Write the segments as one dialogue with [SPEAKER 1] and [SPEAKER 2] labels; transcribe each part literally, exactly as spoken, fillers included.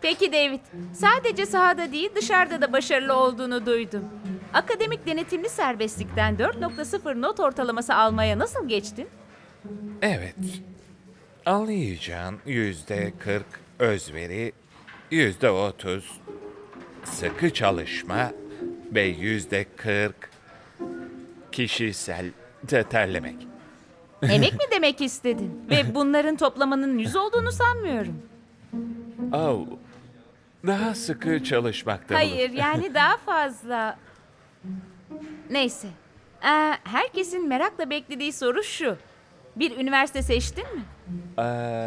[SPEAKER 1] Peki David, sadece sahada değil dışarıda da başarılı olduğunu duydum. Akademik denetimli serbestlikten dört nokta sıfır not ortalaması almaya nasıl geçtin?
[SPEAKER 2] Evet. Anlayacağın yüzde kırk özveri, yüzde otuz sıkı çalışma ve yüzde kırk kişisel de terlemek.
[SPEAKER 1] Emek mi demek istedin? Ve bunların toplamanın yüz olduğunu sanmıyorum.
[SPEAKER 2] Oh, daha sıkı çalışmakta bulun.
[SPEAKER 1] Hayır, yani daha fazla. Neyse. Ee, herkesin merakla beklediği soru şu. Bir üniversite seçtin mi?
[SPEAKER 2] Ee,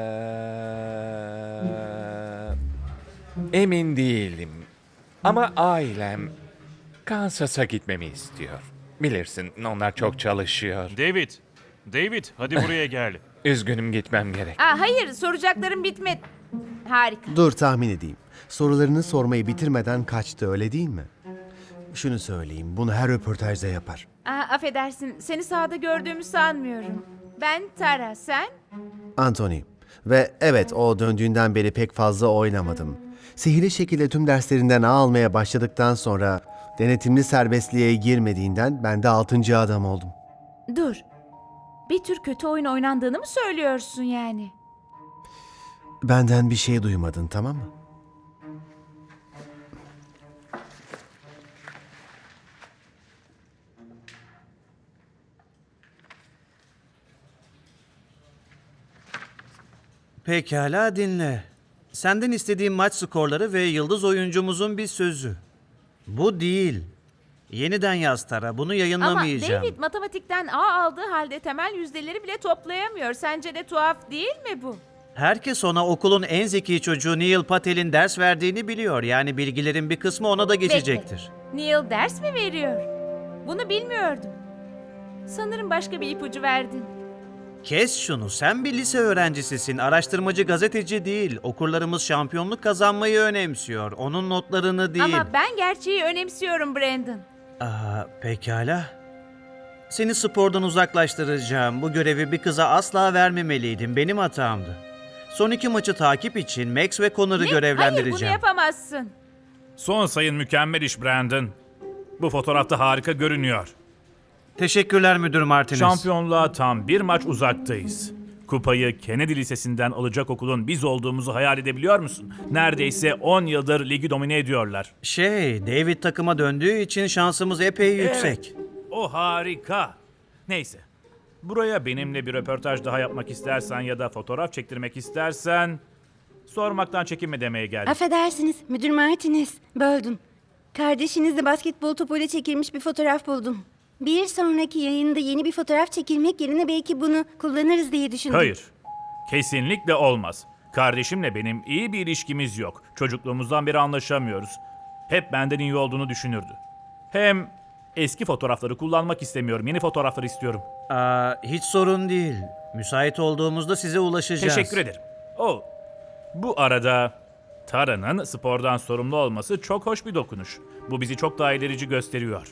[SPEAKER 2] emin değilim. Ama ailem Kansas'a gitmemi istiyor. Bilirsin, onlar çok çalışıyor.
[SPEAKER 3] David, David hadi buraya gel.
[SPEAKER 2] Üzgünüm, gitmem gerek.
[SPEAKER 1] Aa, hayır, soracaklarım bitmedi. Harika.
[SPEAKER 4] Dur tahmin edeyim. Sorularını sormayı bitirmeden kaçtı, öyle değil mi? Şunu söyleyeyim, bunu her röportajda yapar.
[SPEAKER 1] Aa, affedersin, seni sahada gördüğümü sanmıyorum. Ben Tara, sen?
[SPEAKER 4] Anthony. Ve evet, o döndüğünden beri pek fazla oynamadım. Sihirli şekilde tüm derslerinden A almaya başladıktan sonra denetimli serbestliğe girmediğinden ben de altıncı adam oldum.
[SPEAKER 1] Dur. Bir tür kötü oyun oynandığını mı söylüyorsun yani?
[SPEAKER 4] Benden bir şey duymadın, tamam mı?
[SPEAKER 5] Pekala dinle. Senden istediğim maç skorları ve yıldız oyuncumuzun bir sözü. Bu değil. Yeniden yaz Tara, bunu
[SPEAKER 1] Ama
[SPEAKER 5] yayınlamayacağım.
[SPEAKER 1] David matematikten A aldığı halde temel yüzdeleri bile toplayamıyor. Sence de tuhaf değil mi bu?
[SPEAKER 5] Herkes ona okulun en zeki çocuğu Neil Patel'in ders verdiğini biliyor. Yani bilgilerin bir kısmı ona da geçecektir.
[SPEAKER 1] Bekle. Neil ders mi veriyor? Bunu bilmiyordum. Sanırım başka bir ipucu verdin.
[SPEAKER 5] Kes şunu, sen bir lise öğrencisisin, araştırmacı gazeteci değil. Okurlarımız şampiyonluk kazanmayı önemsiyor, onun notlarını değil.
[SPEAKER 1] Ama ben gerçeği önemsiyorum Brandon.
[SPEAKER 5] Aa, pekala. Seni spordan uzaklaştıracağım. Bu görevi bir kıza asla vermemeliydim. Benim hatamdı. Son iki maçı takip için Max ve Connor'ı
[SPEAKER 1] Ne? Hayır, bunu
[SPEAKER 5] görevlendireceğim.
[SPEAKER 1] yapamazsın.
[SPEAKER 3] Son sayın mükemmel iş Brandon. Bu fotoğrafta harika görünüyor.
[SPEAKER 5] Teşekkürler Müdür Martinez.
[SPEAKER 3] Şampiyonluğa tam bir maç uzaktayız. Kupayı Kennedy Lisesi'nden alacak okulun biz olduğumuzu hayal edebiliyor musun? Neredeyse on yıldır ligi domine ediyorlar.
[SPEAKER 5] Şey, David takıma döndüğü için şansımız epey yüksek.
[SPEAKER 3] Evet, o harika. Neyse. Buraya benimle bir röportaj daha yapmak istersen ya da fotoğraf çektirmek istersen sormaktan çekinme demeye geldim.
[SPEAKER 6] Affedersiniz, Müdür Martinez. Böldüm. Kardeşinizle basketbol topuyla çekilmiş bir fotoğraf buldum. Bir sonraki yayında yeni bir fotoğraf çekilmek yerine belki bunu kullanırız diye düşündüm.
[SPEAKER 3] Hayır. Kesinlikle olmaz. Kardeşimle benim iyi bir ilişkimiz yok. Çocukluğumuzdan beri anlaşamıyoruz. Hep benden iyi olduğunu düşünürdü. Hem eski fotoğrafları kullanmak istemiyorum. Yeni fotoğrafları istiyorum.
[SPEAKER 5] Aa, hiç sorun değil. Müsait olduğumuzda size ulaşacağız.
[SPEAKER 3] Teşekkür ederim. Oh, bu arada Tara'nın spordan sorumlu olması çok hoş bir dokunuş. Bu bizi çok daha ilerici gösteriyor.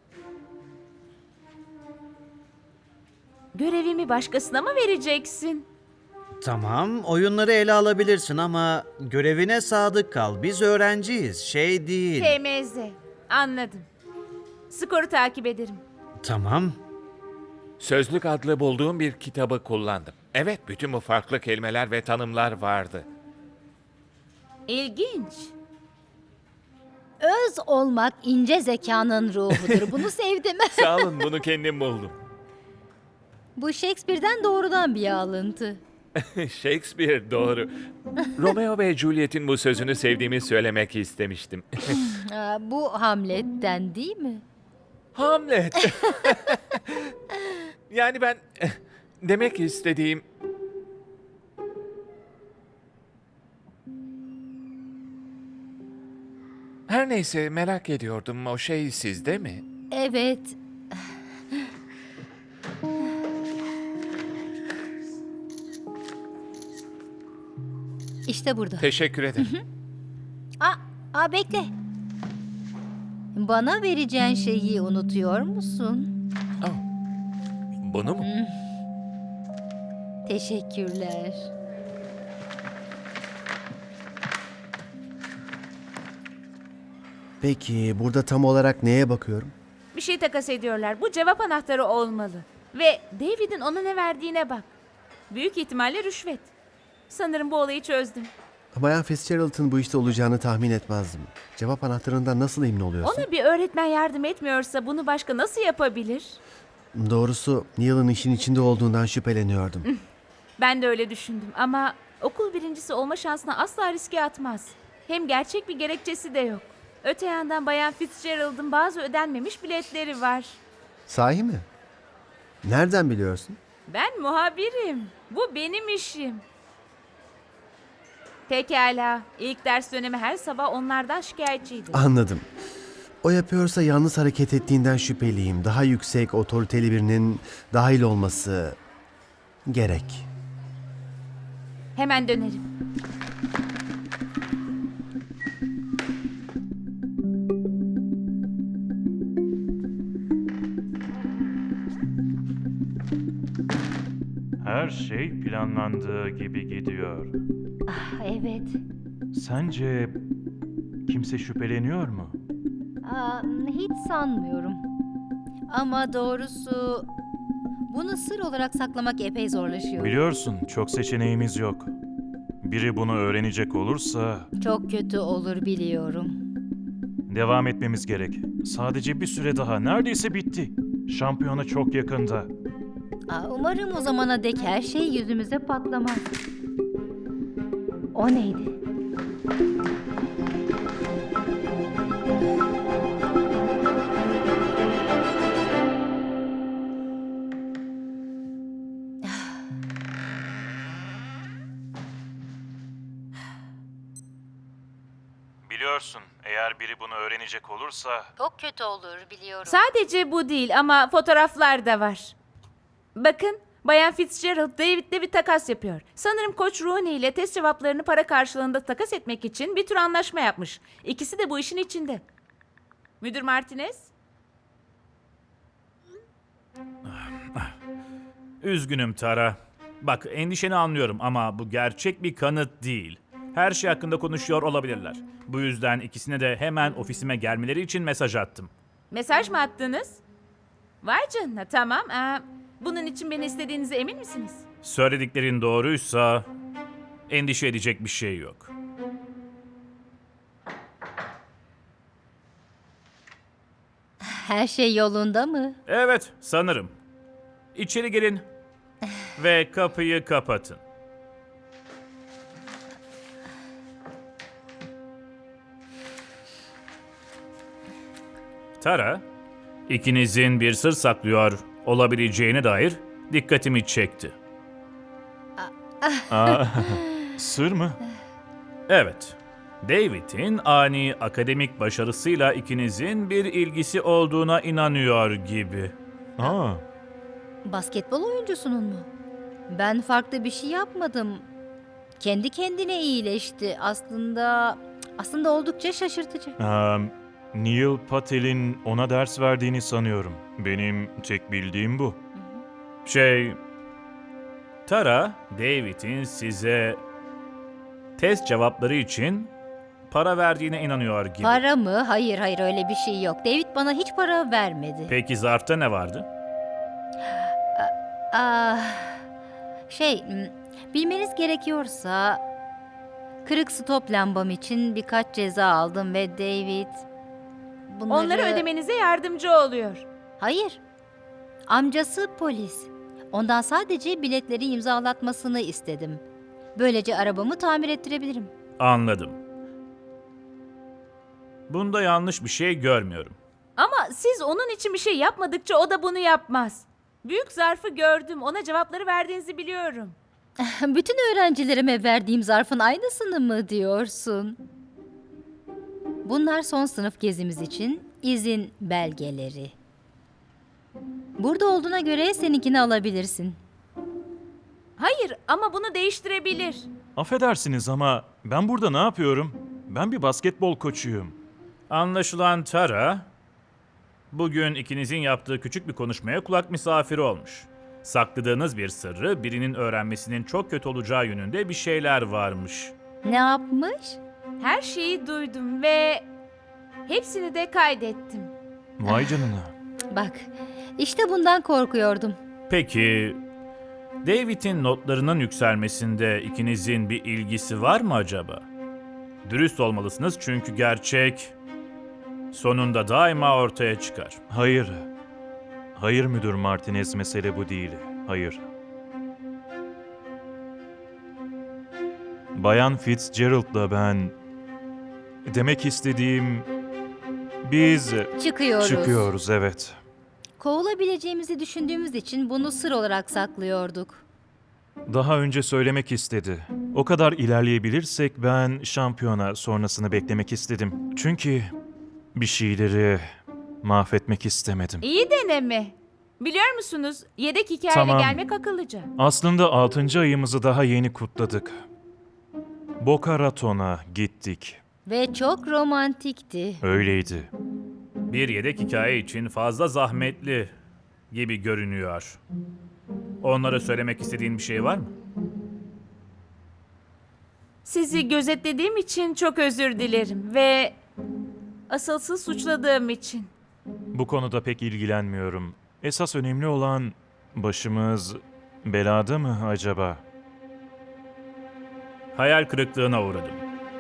[SPEAKER 1] Görevimi başkasına mı vereceksin?
[SPEAKER 5] Tamam, oyunları ele alabilirsin ama görevine sadık kal. Biz öğrenciyiz, şey değil.
[SPEAKER 1] T M Z. Anladım. Skoru takip ederim.
[SPEAKER 5] Tamam.
[SPEAKER 2] Sözlük adlı bulduğum bir kitabı kullandım. Evet, bütün bu farklı kelimeler ve tanımlar vardı.
[SPEAKER 1] İlginç.
[SPEAKER 7] Öz olmak ince zekanın ruhudur. Bunu sevdim.
[SPEAKER 2] Sağ olun, bunu kendim buldum.
[SPEAKER 7] Bu Shakespeare'den doğrudan bir alıntı.
[SPEAKER 2] Shakespeare, doğru. Romeo ve Juliet'in bu sözünü sevdiğimi söylemek istemiştim.
[SPEAKER 7] Aa, bu Hamlet'ten değil mi?
[SPEAKER 2] Hamlet. Yani ben demek istediğim... Her neyse, merak ediyordum, o şey sizde mi?
[SPEAKER 7] Evet. İşte burada.
[SPEAKER 2] Teşekkür ederim.
[SPEAKER 7] Aa, aa bekle. Bana vereceğin şeyi unutuyor musun?
[SPEAKER 2] Oh. Bunu mu?
[SPEAKER 7] Teşekkürler.
[SPEAKER 4] Peki burada tam olarak neye bakıyorum?
[SPEAKER 1] Bir şey takas ediyorlar. Bu cevap anahtarı olmalı. Ve David'in ona ne verdiğine bak. Büyük ihtimalle rüşvet. Sanırım bu olayı çözdüm.
[SPEAKER 4] Bayan Fitzgerald'ın bu işte olacağını tahmin etmezdim. Cevap anahtarından nasıl emin oluyorsun?
[SPEAKER 1] Ona bir öğretmen yardım etmiyorsa bunu başka nasıl yapabilir?
[SPEAKER 4] Doğrusu Neil'ın işin içinde olduğundan şüpheleniyordum.
[SPEAKER 1] Ben de öyle düşündüm ama okul birincisi olma şansına asla riske atmaz. Hem gerçek bir gerekçesi de yok. Öte yandan Bayan Fitzgerald'ın bazı ödenmemiş biletleri var.
[SPEAKER 4] Sahi mi? Nereden biliyorsun?
[SPEAKER 1] Ben muhabirim. Bu benim işim. Pekala. İlk ders dönemi her sabah onlardan şikayetçiydi.
[SPEAKER 4] Anladım. O yapıyorsa yalnız hareket ettiğinden şüpheliyim. Daha yüksek, otoriteli birinin dahil olması gerek.
[SPEAKER 1] Hemen dönerim.
[SPEAKER 8] Her şey planlandığı gibi gidiyor.
[SPEAKER 7] Evet.
[SPEAKER 8] Sence kimse şüpheleniyor mu?
[SPEAKER 7] Aa, hiç sanmıyorum. Ama doğrusu bunu sır olarak saklamak epey zorlaşıyor.
[SPEAKER 8] Biliyorsun, çok seçeneğimiz yok. Biri bunu öğrenecek olursa
[SPEAKER 7] Çok kötü olur biliyorum.
[SPEAKER 8] devam etmemiz gerek. Sadece bir süre daha, neredeyse bitti. Şampiyona çok yakında.
[SPEAKER 7] Aa, umarım o zamana dek her şey yüzümüze patlamaz. O neydi?
[SPEAKER 8] Biliyorsun, eğer biri bunu öğrenecek olursa
[SPEAKER 7] Çok kötü olur biliyorum.
[SPEAKER 1] Sadece bu değil ama fotoğraflar da var. Bakın, Bayan Fitzgerald David'le bir takas yapıyor. Sanırım Koç Rooney ile test cevaplarını para karşılığında takas etmek için bir tür anlaşma yapmış. İkisi de bu işin içinde. Müdür Martinez?
[SPEAKER 3] Üzgünüm Tara. Bak endişeni anlıyorum ama bu gerçek bir kanıt değil. Her şey hakkında konuşuyor olabilirler. Bu yüzden ikisine de hemen ofisime gelmeleri için mesaj attım.
[SPEAKER 1] Mesaj mı attınız? Vay canına, tamam. Ee, bunun için beni istediğinize emin misiniz?
[SPEAKER 3] Söylediklerin doğruysa endişe edecek bir şey yok.
[SPEAKER 7] Her şey yolunda mı?
[SPEAKER 3] Evet, sanırım. İçeri gelin ve kapıyı kapatın. Tara, ikinizin bir sır saklıyor olabileceğine dair dikkatimi çekti.
[SPEAKER 8] Aa, sır mı?
[SPEAKER 3] Evet, David'in ani akademik başarısıyla ikinizin bir ilgisi olduğuna inanıyor gibi.
[SPEAKER 8] Aa,
[SPEAKER 7] Basketbol oyuncusunun mu? Ben farklı bir şey yapmadım. Kendi kendine iyileşti. Aslında aslında oldukça şaşırtıcı.
[SPEAKER 8] eee, Neil Patel'in ona ders verdiğini sanıyorum. Benim tek bildiğim bu.
[SPEAKER 3] Şey, Tara, David'in size test cevapları için para verdiğine inanıyor gibi.
[SPEAKER 7] Para mı? Hayır hayır öyle bir şey yok. David bana hiç para vermedi.
[SPEAKER 3] Peki zarfta ne vardı?
[SPEAKER 7] Ah, şey, m, bilmeniz gerekiyorsa kırık stop lambam için birkaç ceza aldım ve David bunları...
[SPEAKER 1] Onları ödemenize yardımcı oluyor.
[SPEAKER 7] Hayır. Amcası polis. Ondan sadece biletleri imzalatmasını istedim. Böylece arabamı tamir ettirebilirim.
[SPEAKER 3] Anladım. Bunda yanlış bir şey görmüyorum.
[SPEAKER 1] Ama siz onun için bir şey yapmadıkça o da bunu yapmaz. Büyük zarfı gördüm. Ona cevapları verdiğinizi biliyorum.
[SPEAKER 7] Bütün öğrencilerime verdiğim zarfın aynısını mı diyorsun? Bunlar son sınıf gezimiz için izin belgeleri. Burada olduğuna göre seninkini alabilirsin.
[SPEAKER 1] Hayır ama bunu değiştirebilir.
[SPEAKER 8] Affedersiniz ama ben burada ne yapıyorum? Ben bir basketbol koçuyum.
[SPEAKER 3] Anlaşılan Tara, bugün ikinizin yaptığı küçük bir konuşmaya kulak misafiri olmuş. Sakladığınız bir sırrı birinin öğrenmesinin çok kötü olacağı yönünde bir şeyler varmış.
[SPEAKER 7] Ne yapmış?
[SPEAKER 1] Her şeyi duydum ve Hepsini de kaydettim.
[SPEAKER 8] Vay canına.
[SPEAKER 7] Bak, işte bundan korkuyordum.
[SPEAKER 3] Peki, David'in notlarının yükselmesinde ikinizin bir ilgisi var mı acaba? Dürüst olmalısınız çünkü gerçek sonunda daima ortaya çıkar.
[SPEAKER 8] Hayır. Hayır Müdür Martinez, mesele bu değil. Hayır. Bayan Fitzgerald'la ben... Demek istediğim... Biz
[SPEAKER 7] Çıkıyoruz.
[SPEAKER 8] çıkıyoruz, evet.
[SPEAKER 7] Kovulabileceğimizi düşündüğümüz için bunu sır olarak saklıyorduk.
[SPEAKER 8] Daha önce söylemek istedi. O kadar ilerleyebilirsek ben şampiyona sonrasını beklemek istedim. Çünkü bir şeyleri mahvetmek istemedim.
[SPEAKER 1] İyi deneme. Biliyor musunuz, yedek hikayeyle
[SPEAKER 8] Tamam.
[SPEAKER 1] gelmek akıllıca.
[SPEAKER 8] Aslında altıncı ayımızı daha yeni kutladık. Boca Raton'a gittik.
[SPEAKER 7] Ve çok romantikti.
[SPEAKER 8] Öyleydi.
[SPEAKER 3] Bir yedek hikaye için fazla zahmetli gibi görünüyor. Onlara söylemek istediğin bir şey var mı?
[SPEAKER 1] Sizi gözetlediğim için çok özür dilerim ve asılsız suçladığım için.
[SPEAKER 8] Bu konuda pek ilgilenmiyorum. Esas önemli olan başımız belada mı acaba?
[SPEAKER 3] Hayal kırıklığına uğradım.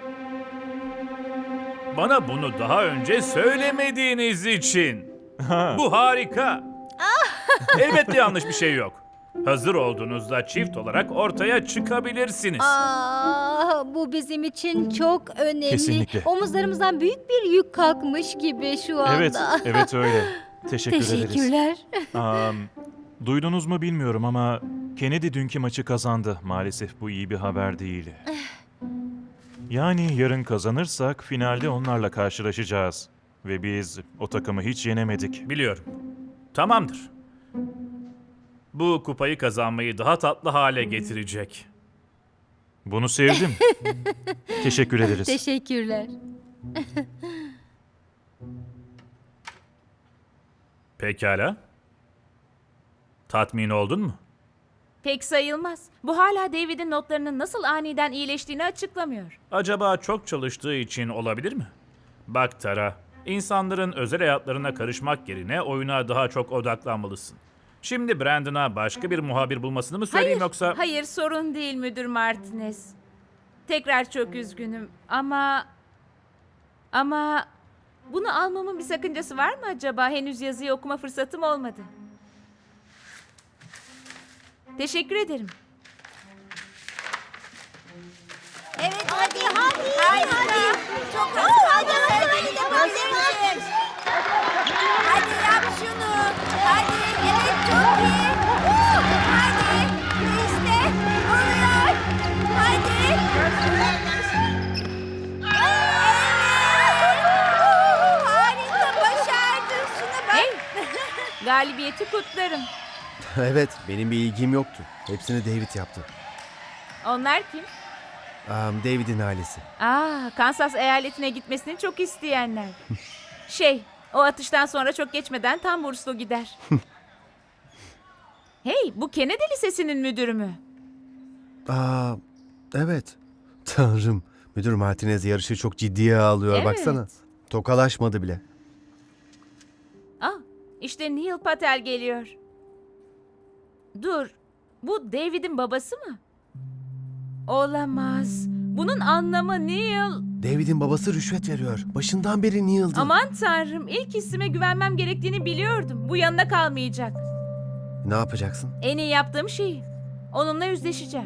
[SPEAKER 3] Bana bunu daha önce söylemediğiniz için. Bu harika. Elbette yanlış bir şey yok. Hazır olduğunuzda çift olarak ortaya çıkabilirsiniz.
[SPEAKER 7] Aa, bu bizim için çok önemli.
[SPEAKER 8] Kesinlikle.
[SPEAKER 7] Omuzlarımızdan büyük bir yük kalkmış gibi şu anda.
[SPEAKER 8] Evet, evet öyle. Teşekkür ederiz.
[SPEAKER 7] Teşekkürler.
[SPEAKER 8] Am, duydunuz mu bilmiyorum ama Kennedy dünkü maçı kazandı. Maalesef bu iyi bir haber değil. Yani yarın kazanırsak finalde onlarla karşılaşacağız. Ve biz o takımı hiç yenemedik.
[SPEAKER 3] Biliyorum. Tamamdır. Bu kupayı kazanmayı daha tatlı hale getirecek.
[SPEAKER 8] Bunu sevdim. Teşekkür ederiz.
[SPEAKER 7] Teşekkürler.
[SPEAKER 3] Pekala. Tatmin oldun mu?
[SPEAKER 1] Pek sayılmaz. Bu hala David'in notlarının nasıl aniden iyileştiğini açıklamıyor.
[SPEAKER 3] Acaba çok çalıştığı için olabilir mi? Bak Tara, insanların özel hayatlarına karışmak yerine oyuna daha çok odaklanmalısın. Şimdi Brandon'a başka bir muhabir bulmasını mı söyleyeyim
[SPEAKER 1] Hayır,
[SPEAKER 3] yoksa...
[SPEAKER 1] hayır sorun değil Müdür Martinez. Tekrar çok üzgünüm ama... Ama... Bunu almamın bir sakıncası var mı acaba? Henüz yazıyı okuma fırsatım olmadı. Teşekkür ederim.
[SPEAKER 6] Evet hadi hadi. Harika. Çok hızlı. Hadi hadi hadi yapabilirsin. Hadi yap şunu. Hadi. Evet çok iyi. Hadi. İşte oluyor. Hadi. Evet. Harika başardın. Şuna bak.
[SPEAKER 1] Hey! Galibiyeti kutlarım.
[SPEAKER 4] Evet, benim bir ilgim yoktu. Hepsini David yaptı.
[SPEAKER 1] Onlar kim?
[SPEAKER 4] Am, David'in ailesi.
[SPEAKER 1] Aa, Kansas eyaletine gitmesini çok isteyenler. Şey, o atıştan sonra çok geçmeden tam burslu gider. Hey, bu Kennedy Lisesi'nin müdürü mü?
[SPEAKER 4] Aa, evet. Tanrım, Müdür Martinez yarışı çok ciddiye alıyor,
[SPEAKER 1] Evet.
[SPEAKER 4] baksana. Tokalaşmadı bile.
[SPEAKER 1] Aa, işte Neil Patel geliyor. Dur, bu David'in babası mı? Olamaz. Bunun anlamı Neil.
[SPEAKER 4] David'in babası rüşvet veriyor. Başından beri Neil'di.
[SPEAKER 1] Aman tanrım, ilk hissime güvenmem gerektiğini biliyordum. Bu yanına kalmayacak.
[SPEAKER 4] Ne yapacaksın?
[SPEAKER 1] En iyi yaptığım şey. Onunla yüzleşeceğim.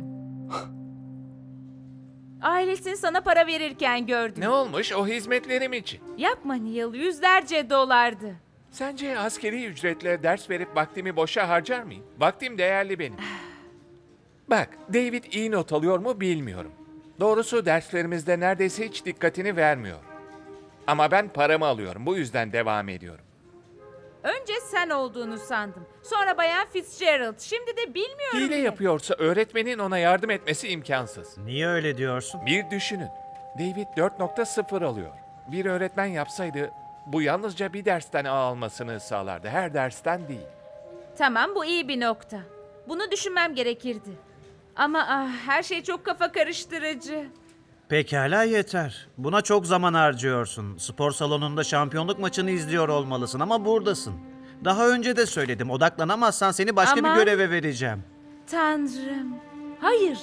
[SPEAKER 1] Ailesini sana para verirken gördüm.
[SPEAKER 2] Ne olmuş o hizmetlerim için?
[SPEAKER 1] Yapma Neil, yüzlerce dolardı.
[SPEAKER 2] Sence askeri ücretle ders verip vaktimi boşa harcar mıyım? Vaktim değerli benim. Bak, David iyi not alıyor mu bilmiyorum. Doğrusu derslerimizde neredeyse hiç dikkatini vermiyor. Ama ben paramı alıyorum, bu yüzden devam ediyorum.
[SPEAKER 1] Önce sen olduğunu sandım. Sonra Bayan Fitzgerald. Şimdi de bilmiyorum.
[SPEAKER 2] Hile
[SPEAKER 1] bile.
[SPEAKER 2] yapıyorsa öğretmenin ona yardım etmesi imkansız.
[SPEAKER 5] Niye öyle diyorsun?
[SPEAKER 2] Bir düşünün, David dört nokta sıfır alıyor. Bir öğretmen yapsaydı bu yalnızca bir dersten A almasını sağlardı, her dersten değil.
[SPEAKER 1] Tamam, bu iyi bir nokta. Bunu düşünmem gerekirdi. Ama ah, her şey çok kafa karıştırıcı.
[SPEAKER 5] Pekala yeter. Buna çok zaman harcıyorsun. Spor salonunda şampiyonluk maçını izliyor olmalısın ama buradasın. Daha önce de söyledim. Odaklanamazsan seni başka
[SPEAKER 1] Ama-
[SPEAKER 5] bir göreve vereceğim.
[SPEAKER 1] Tanrım. Hayır.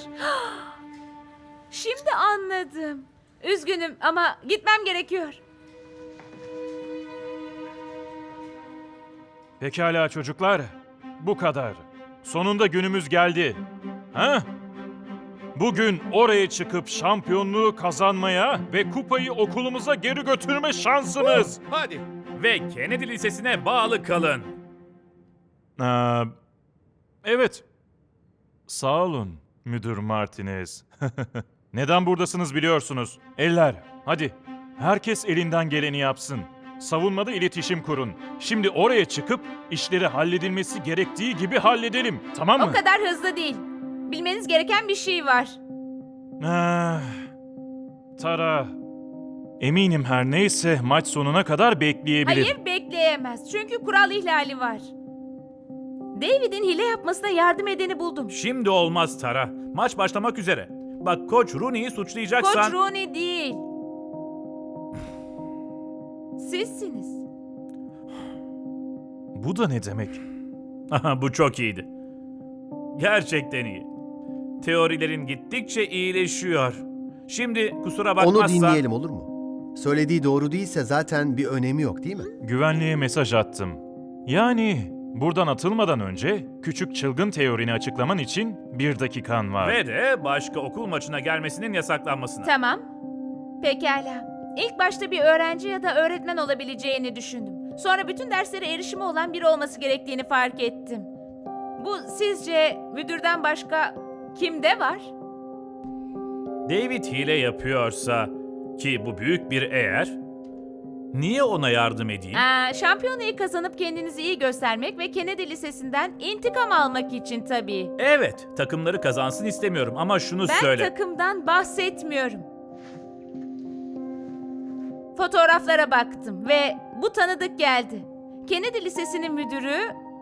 [SPEAKER 1] Şimdi anladım. Üzgünüm ama gitmem gerekiyor.
[SPEAKER 8] Pekala çocuklar. Bu kadar. Sonunda günümüz geldi. Ha? Bugün oraya çıkıp şampiyonluğu kazanmaya ve kupayı okulumuza geri götürme şansımız.
[SPEAKER 2] Hadi.
[SPEAKER 3] Ve Kennedy Lisesi'ne bağlı kalın.
[SPEAKER 8] Aa, evet. Sağ olun Müdür Martinez. Neden buradasınız biliyorsunuz. Eller, hadi. Herkes elinden geleni yapsın. Savunmada iletişim kurun. Şimdi oraya çıkıp işleri halledilmesi gerektiği gibi halledelim. Tamam mı?
[SPEAKER 1] O kadar hızlı değil. Bilmeniz gereken bir şey var.
[SPEAKER 8] Ah, Tara. Eminim her neyse maç sonuna kadar bekleyebilir.
[SPEAKER 1] Hayır, bekleyemez. Çünkü kural ihlali var. David'in hile yapmasına yardım edeni buldum.
[SPEAKER 3] Şimdi olmaz Tara. Maç başlamak üzere. Bak Koç Rooney'i suçlayacaksan...
[SPEAKER 1] Koç Rooney değil. Sizsiniz.
[SPEAKER 8] Bu da ne demek?
[SPEAKER 3] Aha, bu çok iyiydi. Gerçekten iyi. Teorilerin gittikçe iyileşiyor. Şimdi kusura bakmazsan...
[SPEAKER 4] Onu dinleyelim olur mu? Söylediği doğru değilse zaten bir önemi yok değil mi?
[SPEAKER 8] Güvenliğe mesaj attım. Yani buradan atılmadan önce küçük çılgın teorini açıklaman için bir dakikan var.
[SPEAKER 3] Ve de başka okul maçına gelmesinin yasaklanmasına.
[SPEAKER 1] Tamam. Pekala. İlk başta bir öğrenci ya da öğretmen olabileceğini düşündüm. Sonra bütün derslere erişimi olan biri olması gerektiğini fark ettim. Bu sizce müdürden başka kimde var?
[SPEAKER 3] David hile yapıyorsa, ki bu büyük bir eğer, niye ona yardım edeyim?
[SPEAKER 1] Aa, şampiyonayı kazanıp kendinizi iyi göstermek ve Kennedy Lisesi'nden intikam almak için tabii.
[SPEAKER 3] Evet, takımları kazansın istemiyorum ama şunu
[SPEAKER 1] Ben
[SPEAKER 3] söyle.
[SPEAKER 1] takımdan bahsetmiyorum. Fotoğraflara baktım ve bu tanıdık geldi. Kennedy Lisesi'nin müdürü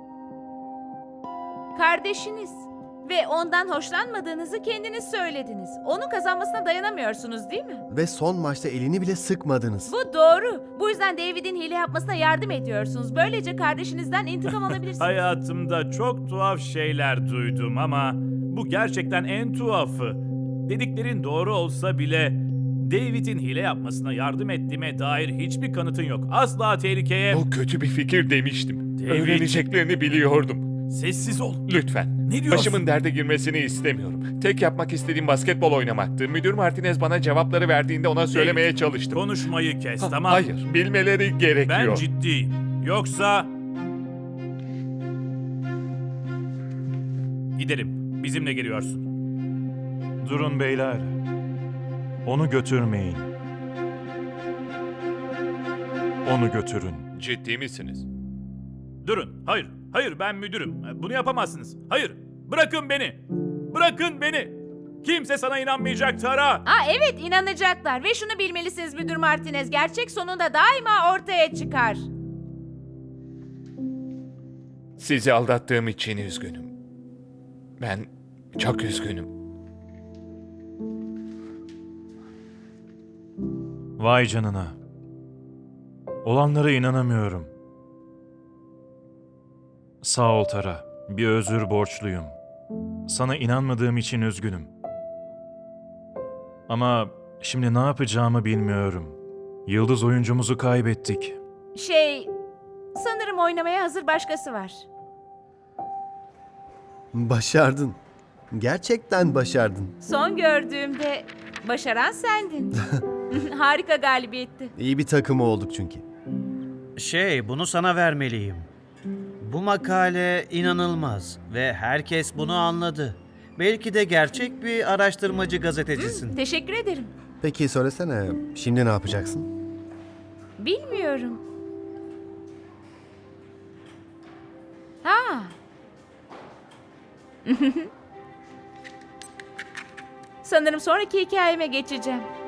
[SPEAKER 1] kardeşiniz ve ondan hoşlanmadığınızı kendiniz söylediniz. Onun kazanmasına dayanamıyorsunuz değil mi?
[SPEAKER 4] Ve son maçta elini bile sıkmadınız.
[SPEAKER 1] Bu doğru. Bu yüzden David'in hile yapmasına yardım ediyorsunuz. Böylece kardeşinizden intikam alabilirsiniz.
[SPEAKER 3] Hayatımda çok tuhaf şeyler duydum ama bu gerçekten en tuhafı. Dediklerin doğru olsa bile David'in hile yapmasına yardım ettiğime dair hiçbir kanıtın yok. Asla tehlikeye...
[SPEAKER 2] Bu kötü bir fikir demiştim.
[SPEAKER 3] David.
[SPEAKER 2] Öğreneceklerini biliyordum.
[SPEAKER 3] Sessiz ol.
[SPEAKER 2] Lütfen.
[SPEAKER 3] Ne diyorsun?
[SPEAKER 2] Başımın derde girmesini istemiyorum. Tek yapmak istediğim basketbol oynamaktı. Müdür Martinez bana cevapları verdiğinde ona söylemeye
[SPEAKER 3] David,
[SPEAKER 2] çalıştım.
[SPEAKER 3] Konuşmayı kes,
[SPEAKER 2] Ha-
[SPEAKER 3] tamam?
[SPEAKER 2] Hayır, bilmeleri gerekiyor.
[SPEAKER 3] Ben ciddiyim. Yoksa... Gidelim. Bizimle geliyorsun.
[SPEAKER 8] Durun beyler. Onu götürmeyin. Onu götürün.
[SPEAKER 2] Ciddi misiniz?
[SPEAKER 3] Durun. Hayır. Hayır, ben müdürüm. Bunu yapamazsınız. Hayır. Bırakın beni. Bırakın beni. Kimse sana inanmayacak Tara.
[SPEAKER 1] Aa evet inanacaklar ve şunu bilmelisiniz Müdür Martinez. Gerçek sonunda daima ortaya çıkar.
[SPEAKER 2] Sizi aldattığım için üzgünüm. Ben çok üzgünüm.
[SPEAKER 8] Vay canına. Olanlara inanamıyorum. Sağ ol Tara. Bir özür borçluyum. Sana inanmadığım için üzgünüm. Ama şimdi ne yapacağımı bilmiyorum. Yıldız oyuncumuzu kaybettik.
[SPEAKER 1] Şey, sanırım oynamaya hazır başkası var.
[SPEAKER 4] Başardın. Gerçekten başardın.
[SPEAKER 1] Son gördüğümde başaran sendin. Harika galibiyetti.
[SPEAKER 4] İyi bir takımı olduk çünkü.
[SPEAKER 5] Şey, bunu sana vermeliyim. Bu makale inanılmaz ve herkes bunu anladı. Belki de gerçek bir araştırmacı gazetecisin.
[SPEAKER 1] Teşekkür ederim.
[SPEAKER 4] Peki söylesene, şimdi ne yapacaksın?
[SPEAKER 1] Bilmiyorum. Ha. Sanırım sonraki hikayeme geçeceğim.